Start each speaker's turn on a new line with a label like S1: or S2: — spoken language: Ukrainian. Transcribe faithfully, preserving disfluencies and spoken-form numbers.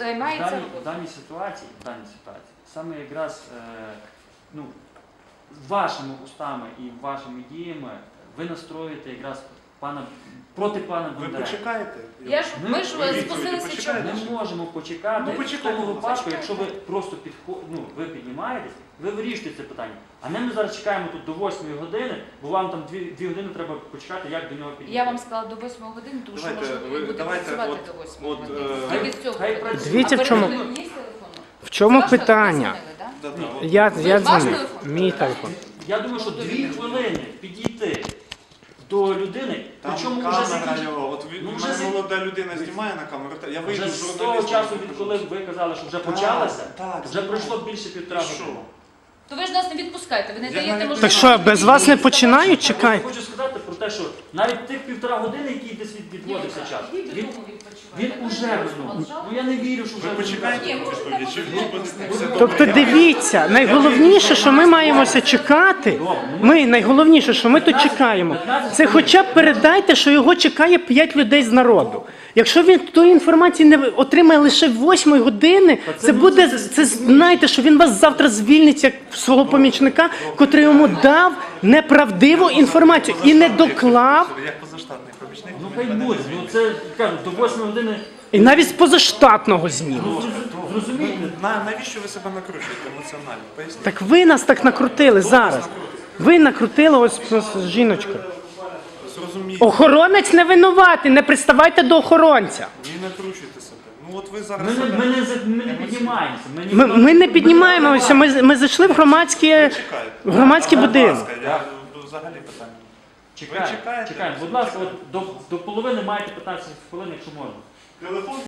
S1: займається
S2: В даній, в
S1: роботою.
S2: даній ситуації, в даній ситуації, саме якраз е, ну, вашими устами і вашими діями ви настроюєте якраз пана, проти пана
S3: Ви
S2: Бондаренка.
S3: почекаєте.
S1: Я ж, ми ж
S3: Ви відповіді
S1: спустили слідчого.
S3: почекайте.
S2: Ми можемо почекати
S3: Ну,
S2: в
S3: почекайте,
S2: тому
S3: ну,
S2: випадку,
S1: почекайте.
S2: якщо ви просто підход, ну, ви піднімаєтесь, ви вирішуєте це питання. А не ми зараз чекаємо тут до восьмої години, бо вам там дві, дві години треба почекати, як до нього підійти.
S1: Я вам сказала до восьмої години, тому що
S3: Давайте,
S1: можливо
S3: ви-
S1: він буде
S3: давайте,
S1: працювати
S3: от-
S1: до восьмої
S3: от,
S1: години.
S3: е,
S1: Тільки
S2: хай-
S1: з цього
S2: хай
S1: питання.
S2: працює.
S4: Дивіться,
S1: А
S4: в чому-
S1: перед тим є телефон?
S4: В чому
S1: Ваш
S4: питання?
S1: телефон, да?
S3: Да, да, от.
S4: Я,
S1: Ви
S4: я
S1: ваш
S4: дзвоню.
S1: телефон?
S4: Мій телефон.
S2: Я думаю, що дві хвилини підійти до людини,
S3: Там
S2: причому вже
S3: камера
S2: закінчити.
S3: його, от він,
S2: Ну,
S3: ну,
S2: вже
S3: мене
S2: за-
S3: молода людина знімає на камеру, та- я вийду
S2: Вже
S3: з
S2: з того
S3: журналістом.
S2: часу, відколи ви казали, що вже
S3: Так,
S2: почалося,
S3: так,
S2: вже
S3: знаю.
S2: пройшло більше півтора
S3: І що?
S2: години.
S1: То ви ж нас не відпускаєте, ви не
S3: Я
S1: даєте
S3: навіть-
S1: можливості.
S4: Так що, без вас не починають?
S2: Я
S4: Чекайте.
S2: хочу сказати про те, що навіть тих півтора години, які десь від- відводився час, він, він уже вернув. Ну я не вірю, що вже
S3: Ви почекаєте
S1: Ні,
S3: відповіді, чи
S1: можна
S3: ви
S1: так.
S3: все добре?
S4: Тобто дивіться, найголовніше, що ми маємося чекати, ми найголовніше, що ми тут чекаємо, це хоча б передайте, що його чекає п'ять людей з народу. Якщо він тої інформації не отримає лише восьмої години, це буде, це знаєте, що він вас завтра звільнить як свого помічника, котрий йому дав неправдиву інформацію і не доклав,
S3: Як позаштатний помічник,
S2: Ну
S3: він
S2: хай
S3: мене
S2: буде,
S3: не
S2: ну
S3: звільнить.
S2: це кажуть, до восьмої години.
S4: і навіть з позаштатного зніму.
S2: Зрозумієте?
S3: На, навіщо ви себе накручуєте емоціонально? Поясніть.
S4: Так ви нас так накрутили зараз. Ви накрутили ось, ось жіночка.
S3: Зрозумійте,
S4: Охоронець не винуватий, не приставайте до охоронця.
S3: не накручуйте себе. Ну от ви зараз
S2: Ми не,
S3: себе...
S2: ми не, за- ми не піднімаємося. Ми,
S4: Ми,
S2: ніхто-
S4: ми не піднімаємося, ми, ми зайшли в громадські,
S3: Чекайте.
S4: в громадський
S3: Будь
S4: будинок.
S3: ласка, я взагалі питання.
S2: Чекаємо,
S3: Ви чекаєте?
S2: чекаємо. Будь ласка, от до, до половини маєте п'ятнадцять хвилин, якщо можна.
S3: Телефон